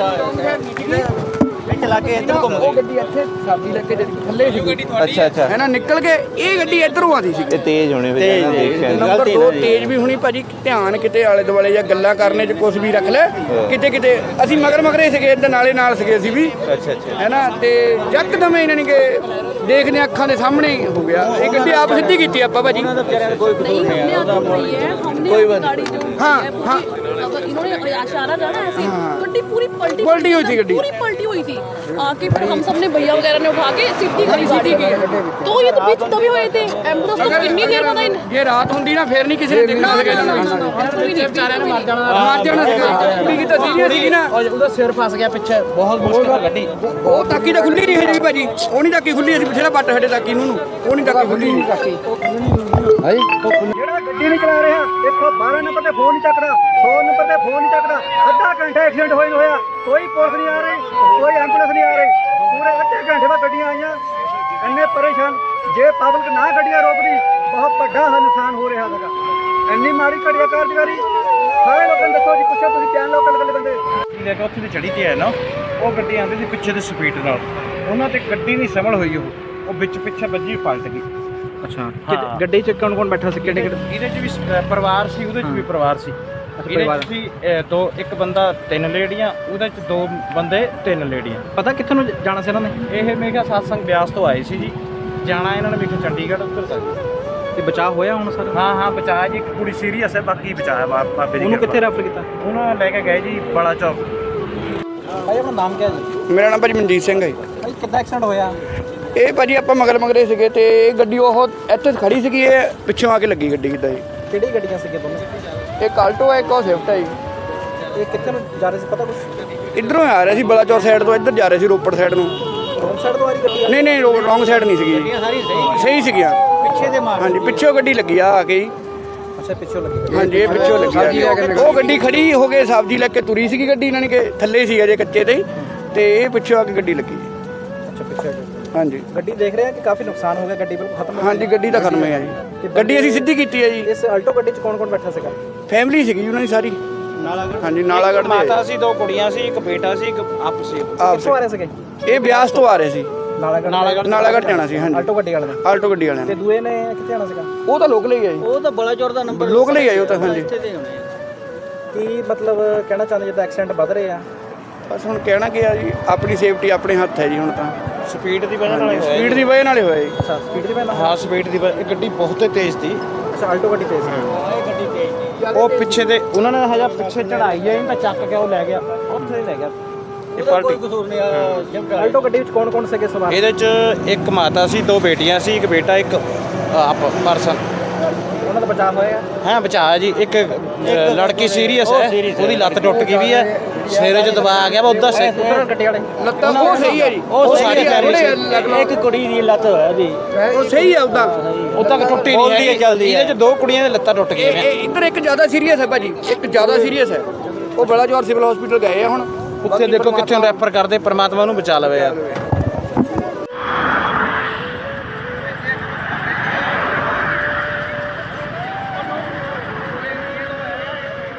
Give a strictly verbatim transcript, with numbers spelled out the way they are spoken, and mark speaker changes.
Speaker 1: चला के इधर घूम
Speaker 2: ਉਹ ਗੱਡੀ ਇੱਥੇ ਸਬਜ਼ੀ ਲੈ ਕੇ ਜਿਹੜੀ ਥੱਲੇ ਸੀ
Speaker 1: अच्छा अच्छा
Speaker 2: ਹੈ ਨਾ ਨਿਕਲ ਕੇ ਇਹ ਗੱਡੀ ਇੱਧਰੋਂ ਆਦੀ ਸੀ
Speaker 1: ये तेज होने पे
Speaker 3: तेज,
Speaker 1: जाना
Speaker 3: तेज।
Speaker 1: देखा नहीं।
Speaker 2: ਨੰਬਰ ਦੋ ਤੇਜ਼ ਵੀ ਹੋਣੀ ਭਾਜੀ ਧਿਆਨ ਕਿਤੇ ਆਲੇ ਦੁਆਲੇ ਜਾਂ ਗੱਲਾਂ ਕਰਨੇ 'ਚ ਕੁਝ ਵੀ ਰੱਖ ਲੈ ਕਿਤੇ ਕਿਤੇ ਅਸੀਂ ਮਗਰ ਮਗਰੇ ਸੀਗੇ ਇਹਦੇ ਨਾਲੇ ਨਾਲ ਸੀਗੇ ਅਸੀਂ ਵੀ
Speaker 1: अच्छा अच्छा
Speaker 2: ਹੈ ਨਾ ਤੇ ਯਕਦਮ ਇਹਨਾਂ ਨੇ ਕਿ ਦੇਖਦੇ ਅੱਖਾਂ ਦੇ ਸਾਹਮਣੇ ਹੀ ਹੋ ਗਿਆ ਇਹ ਗੱਡੀ ਆਪ ਸਿੱਧੀ ਕੀਤੀ ਆਪਾਂ ਭਾਜੀ
Speaker 4: नहीं हमने आगे बढ़ाई है हमने
Speaker 1: कोई
Speaker 4: अपनी
Speaker 1: बात
Speaker 4: गाड़ी जो
Speaker 2: हाँ,
Speaker 4: है, वो
Speaker 2: हाँ।
Speaker 4: भी- अगर इन्होंने इशारा था ना ऐसे गड्डी पूरी पलटी
Speaker 2: पलटी हुई थी गड्डी।
Speaker 4: पूरी पलटी हुई थी आके फिर हम सब ने भैया वगैरह ने उठा के सीधी करी
Speaker 2: सीधी
Speaker 4: गाड़ी
Speaker 2: की।
Speaker 4: तो ये तो बीच दबे हुए थे एम्बुलेंस तो कितनी देर में इन
Speaker 2: ਜੇ ਰਾਤ ਹੁੰਦੀ ਨਾ ਫੇਰ ਨਹੀਂ ਕਿਸੇ ਨੇ ਦੇਖਣਾ ਸੀਗਾ ਇਹਨਾਂ ਨੂੰ
Speaker 4: बिल्कुल भी नहीं बेचारे ने मार
Speaker 2: ਮਾਰ ਜਾਣਾ ਸੀਗਾ ਕੁੜੀ ਕੀ ਤਾਂ ਸੀਰੀਅਸ ਸੀਗੀ ਨਾ
Speaker 3: ਉਹਦਾ ਸਿਰ ਫਸ ਗਿਆ ਪਿੱਛੇ ਬਹੁਤ ਮੁਸ਼ਕਿਲ ਨਾਲ ਗੱਡੀ
Speaker 2: ਉਹ ਤਾਕੀ ਤਾਂ ਖੁੱਲੀ ਨਹੀਂ ਹੈ ਜੀ ਭਾਜੀ ਉਹ ਨਹੀਂ ਤਾਕੀ ਖੁੱਲੀ ਅਸੀਂ ਪਿਛਲੇ ਪੱਟ ਸਾਡੇ ਤਾਕੀ ਨੂੰ ਉਹ ਨਹੀਂ ਤਾਕੀ ਖੁੱਲੀ
Speaker 5: ਜਿਹੜਾ ਗੱਡੀ ਨਹੀਂ ਚਲਾ ਰਿਹਾ ਇੱਕ ਸੌ ਬਾਰਾਂ ਨੰਬਰ ਤੇ ਫੋਨ ਨਹੀਂ ਚੱਕਦਾ ਸੌ ਨੰਬਰ ਤੇ ਫੋਨ ਨਹੀਂ ਚੱਕਦਾ ਅੱਧਾ ਘੰਟਾ ਐਕਸੀਡੈਂਟ ਹੋਇਆ ਹੋਇਆ ਕੋਈ ਪੁਲਿਸ ਨਹੀਂ ਆ ਰਹੀ ਕੋਈ ਐਂਬੂਲੈਂਸ ਨਹੀਂ ਆ ਰਹੀ ਪੂਰੇ ਅੱਧੇ ਘੰਟੇ ਬਾਅਦ ਗੱਡੀਆਂ ਆਈਆਂ ਇੰਨੇ ਪਰੇਸ਼ਾਨ ਜੇ ਪਬਲਿਕ ਨਾ ਗੱਡੀਆਂ ਰੋਕਦੀ ਬਹੁਤ ਵੱਡਾ ਨੁਕਸਾਨ ਹੋ ਰਿਹਾ ਹੈਗਾ ਇੰਨੀ ਮਾੜੀ ਘੜੀਆ ਕਾਰਜਕਾਰੀ ਸਾਰੇ ਲੋਕਾਂ ਨੂੰ ਦੱਸੋ ਜੀ ਪੁੱਛੋ ਤੁਸੀਂ ਕਿੰਨੇ ਲੋਕਾਂ ਦੇ ਬੰਦੇ
Speaker 6: ਲੈ ਕੇ ਉੱਥੇ ਦੀ ਚੜੀ ਤੇ ਹੈ ਨਾ ਉਹ ਗੱਡੀ ਆਉਂਦੀ ਸੀ ਪਿੱਛੇ ਦੀ ਸਪੀਡ ਨਾਲ ਉਹਨਾਂ ਤੇ ਗੱਡੀ ਨਹੀਂ ਸੰਭਲ ਹੋਈ ਉਹ ਉਹ ਵਿੱਚ ਪਿੱਛੇ ਵੱਜੀ ਪਲਟ ਗਈ
Speaker 3: ਅੱਛਾ ਗੱਡੀ 'ਚ ਕੌਣ ਕੌਣ ਬੈਠਾ ਸੀ ਕਿਹੜੇ ਕਿਹੜੇ
Speaker 6: ਇਹਦੇ 'ਚ ਵੀ ਸ- ਪਰਿਵਾਰ ਸੀ ਉਹਦੇ 'ਚ ਵੀ ਪਰਿਵਾਰ ਸੀ ਇਹਦੇ 'ਚ ਸੀ ਅਹ, ਦੋ ਇੱਕ ਬੰਦਾ ਤਿੰਨ ਲੇਡੀਆਂ ਉਹਦੇ 'ਚ ਦੋ ਬੰਦੇ ਤਿੰਨ ਲੇਡੀਆਂ
Speaker 3: ਪਤਾ ਕਿੱਥੇ ਨੂੰ ਜਾਣਾ ਸੀ ਇਹਨਾਂ ਨੇ
Speaker 6: ਇਹ ਮੇਗਾ ਸਾਤਸੰਗ ਬਿਆਸ ਤੋਂ ਆਏ ਸੀ ਜੀ ਜਾਣਾ ਇਹਨਾਂ ਨੇ ਮੇਗਾ ਚੰਡੀਗੜ੍ਹ ਉੱਧਰ ਤੱਕ
Speaker 3: ਤੇ ਬਚਾਅ ਹੋਇਆ ਹੁਣ ਸਰ
Speaker 6: ਹਾਂ ਹਾਂ ਬਚਾਇਆ ਜੀ ਇੱਕ ਕੁੜੀ ਸੀਰੀਅਸ ਹੈ ਬਾਕੀ ਬਚਾਇਆ ਬਾ- ਬਾਬੇ ਦੀ
Speaker 3: ਉਹਨੂੰ ਕਿੱਥੇ
Speaker 6: ਕਿਰਪਾ।
Speaker 3: ਰੈਫਰ ਕੀਤਾ
Speaker 6: ਉਹਨੂੰ ਲੈ ਕੇ ਗਏ ਜੀ ਬੜਾ ਚੌਕ
Speaker 3: ਭਾਈ ਆਪਣਾ ਨਾਮ ਕੀ ਹੈ ਜੀ
Speaker 2: ਮੇਰਾ ਨਾਮ ਭਾਜੀ ਮਨਜੀਤ ਸਿੰਘ ਹੈ
Speaker 3: ਭਾਈ ਕਿੱਦਾਂ ਐਕਸੀਡੈਂਟ ਹੋਇਆ
Speaker 2: ਇਹ ਭਾਜੀ ਆਪਾਂ ਮਗਰ ਮਗਰੇ ਸੀਗੇ ਤੇ ਇਹ ਗੱਡੀ ਉਹ ਇੱਥੇ ਖੜੀ ਸੀਗੀ ਇਹ ਪਿੱਛੋਂ ਆ ਕੇ ਲੱਗੀ ਗੱਡੀ ਕਿੱਦਾਂ ਜੀ
Speaker 3: ਕਿਹੜੀ ਗੱਡੀਆਂ ਸੀਗੀਆਂ ਦੋਨੋਂ
Speaker 2: ਇੱਕ ਆਲਟੋ ਹੈ ਇੱਕ ਉਹ ਸਵਿਫਟ ਹੈ ਜੀ
Speaker 3: ਇਹ ਕਿੱਥੇ ਨੂੰ ਜਾ ਰਹੇ ਸੀ ਪਤਾ ਕੁਛ
Speaker 2: ਇਧਰੋਂ ਆ ਰਿਹਾ ਸੀ ਬਲਾਚੌਰ ਸਾਈਡ ਤੋਂ ਇੱਧਰ ਜਾ ਰਹੇ ਸੀ ਰੋਪੜ ਸਾਈਡ ਨੂੰ
Speaker 3: ਰੋਂਗ ਸਾਈਡ ਤੋਂ ਆ ਰਹੀ ਗੱਡੀ
Speaker 2: ਨਹੀਂ ਨਹੀਂ ਰੋਂਗ ਸਾਈਡ ਨਹੀਂ ਸੀਗੀ ਜੀ
Speaker 3: ਸਾਰੀ ਸਹੀ
Speaker 2: ਸਹੀ ਸੀਗੀਆਂ
Speaker 3: ਪਿੱਛੇ ਦੇ ਮਾਰ
Speaker 2: ਹਾਂਜੀ ਪਿੱਛੋਂ ਗੱਡੀ ਲੱਗੀ ਆ ਆ ਕੇ ਜੀ
Speaker 3: ਅੱਛਾ ਪਿੱਛੋਂ ਲੱਗੀ
Speaker 2: ਹਾਂਜੀ ਇਹ ਪਿੱਛੋਂ ਲੱਗੀ ਆ ਉਹ ਗੱਡੀ ਖੜੀ ਹੋ ਕੇ ਸਬਜ਼ੀ ਲੈ ਕੇ ਤੁਰੀ ਸੀਗੀ ਗੱਡੀ ਇਹਨਾਂ ਨੇ ਕਿ ਥੱਲੇ ਸੀ ਅਜੇ ਕੱਚੇ ਤੇ ਤੇ ਇਹ ਪਿੱਛੋਂ ਆ ਕੇ ਗੱਡੀ ਲੱਗੀ
Speaker 3: ਅੱਛਾ ਪਿੱਛੇ
Speaker 2: ਹਾਂਜੀ
Speaker 3: ਗੱਡੀ ਦੇਖ ਰਹੇ ਆ ਕਿ ਕਾਫੀ ਨੁਕਸਾਨ ਹੋ ਗਿਆ ਗੱਡੀ ਬਿਲਕੁਲ ਖਤਮ ਹੋ
Speaker 2: ਹਾਂਜੀ ਗੱਡੀ ਤਾਂ ਖਤਮ ਹੈ ਜੀ ਗੱਡੀ ਅਸੀਂ ਸਿੱਧੀ ਕੀਤੀ ਹੈ ਜੀ
Speaker 3: ਇਸ ਆਲਟੋ ਗੱਡੀ 'ਚ ਕੌਣ ਕੌਣ ਬੈਠਾ ਸੀਗਾ
Speaker 2: ਫੈਮਿਲੀ ਸੀਗੀ ਉਹਨਾਂ ਦੀ ਸਾਰੀ ਹਾਂਜੀ ਨਾਲਾਗੜ੍ਹ ਦੇ
Speaker 6: ਮਾਤਾ ਸੀ ਦੋ ਕੁੜੀਆਂ ਸੀ ਇੱਕ ਬੇਟਾ ਸੀ ਇੱਕ ਆਪ ਸੀ
Speaker 2: ਆਪ
Speaker 3: ਕਿੱਥੋਂ ਆ ਰਹੇ ਸੀਗੇ
Speaker 2: ਇਹ ਬਿਆਸ ਤੋਂ ਆ ਰਹੇ ਸੀ
Speaker 3: ਨਾਲਾਗੜ੍ਹ
Speaker 2: ਨਾਲਾਗੜ੍ਹ ਜਾਣਾ ਸੀ ਹਾਂਜੀ
Speaker 3: ਆਲਟੋ ਗੱਡੀ ਵਾਲੇ ਨੇ
Speaker 2: ਆਲਟੋ ਗੱਡੀ ਵਾਲਿਆਂ
Speaker 3: ਤੇ
Speaker 2: ਨੇ
Speaker 3: ਦੂਏ ਨੇ ਕਿੱਥੇ ਆਣਾ ਸੀਗਾ
Speaker 2: ਉਹ ਤਾਂ ਲੋਕਲ ਹੀ ਹੈ ਜੀ
Speaker 1: ਉਹ ਤਾਂ ਬੜਾ ਚੌੜ ਦਾ ਨੰਬਰ
Speaker 2: ਲੋਕਲ ਹੀ ਹੈ ਉਹ ਤਾਂ ਹਾਂਜੀ
Speaker 3: ਕੀ ਮਤਲਬ ਕਹਿਣਾ ਚਾਹੁੰਦੇ ਜਿੱਦਾਂ ਐਕਸੀਡੈਂਟ ਵੱਧ ਰਹੇ ਆ
Speaker 2: ਬਸ ਹੁਣ ਕਹਿਣਾ ਕੀ ਆ ਜੀ ਆਪਣੀ ਸੇਫਟੀ ਆਪਣੇ ਹੱਥ ਹੈ ਜੀ ਹੁਣ ਤਾਂ
Speaker 6: ਸਪੀਡ ਦੀ ਵਜ੍ਹਾ ਨਾਲ ਹੀ ਹੋਇਆ
Speaker 2: ਸਪੀਡ ਦੀ ਵਜ੍ਹਾ ਨਾਲ ਹੀ ਹੋਇਆ ਜੀ
Speaker 3: ਅੱਛਾ ਸਪੀਡ ਦੀ ਪਹਿਲਾਂ
Speaker 6: ਹਾਂ ਸਪੀਡ ਦੀ ਵਜ੍ਹਾ- ਇਹ ਗੱਡੀ ਬਹੁਤ ਤੇਜ਼ ਸੀ
Speaker 3: ਅੱਛਾ ਆਲਟੋ ਗੱਡੀ ਤੇਜ਼ ਸੀ
Speaker 6: ਉਹ ਪਿੱਛੇ ਦੇ ਉਹਨਾਂ ਨੇ ਹਜਾ ਪਿੱਛੇ ਚੜਾਈ ਹੈ ਤਾਂ ਚੱਕ ਕੇ ਉਹ ਲੈ ਗਿਆ ਉੱਥੇ ਹੀ ਲੈ ਗਿਆ ਇਹ ਪਲਟੀ
Speaker 3: ਆਲਟੋ ਗੱਡੀ ਵਿੱਚ ਕੌਣ ਕੌਣ ਸੀਗੇ ਸਵਾਰ
Speaker 6: ਇਹਦੇ ਚ ਇੱਕ ਮਾਤਾ ਸੀ ਦੋ ਬੇਟੀਆਂ ਸੀ ਇੱਕ ਬੇਟਾ ਇੱਕ ਆਪ ਪਰਸਨ
Speaker 3: ਉਹਨਾਂ ਦਾ ਬਚਾਅ ਹੋਇਆ
Speaker 6: ਹਾਂ ਬਚਾਇਆ ਜੀ ਇੱਕ ਅ, ਲੜਕੀ ਸੀਰੀਅਸ ਹੈ ਉਹਦੀ ਲੱਤ ਟੁੱਟ ਗਈ ਵੀ ਹੈ ਸਿਰੇ 'ਚ ਦਬਾ ਆ ਗਿਆ ਵਾ ਉੱਧਰ ਸੇ
Speaker 3: ਉਧਰ ਗੱਡੀ ਵਾਲੇ
Speaker 2: ਲੱਤਾਂ ਉਹ ਸਹੀ ਹੈ ਜੀ
Speaker 6: ਉਹ ਸਾਰੀ ਪੈਰੀ ਸੀ
Speaker 1: ਇੱਕ ਕੁੜੀ ਦੀ ਲੱਤ ਹੋਇਆ ਉਹਦੀ
Speaker 2: ਉਹ ਸਹੀ ਹੈ ਉਦਾਂ
Speaker 6: ਉਦਾਂ ਟੁੱਟੀ ਨਹੀਂ ਹੈਗੀ ਇਹਦੇ 'ਚ ਦੋ ਕੁੜੀਆਂ ਦੀਆਂ ਲੱਤਾਂ ਟੁੱਟ ਗਈਆਂ
Speaker 2: ਇਹ
Speaker 6: ਨੇ
Speaker 2: ਇਹ ਇੱਧਰ ਇੱਕ ਜ਼ਿਆਦਾ ਸੀਰੀਅਸ ਹੈ ਭਾਜੀ ਇੱਕ ਜ਼ਿਆਦਾ ਸੀਰੀਅਸ ਹੈ ਉਹ ਬਲਾਚੌਰ ਸਿਵਲ ਹਸਪੀਟਲ ਗਏ ਆ ਹੁਣ
Speaker 6: ਉੱਥੇ ਦੇਖੋ ਕਿੱਥੇ ਰੈਫਰ ਕਰਦੇ ਪਰਮਾਤਮਾ ਨੂੰ ਬਚਾ ਲਵੇ ਯਾਰ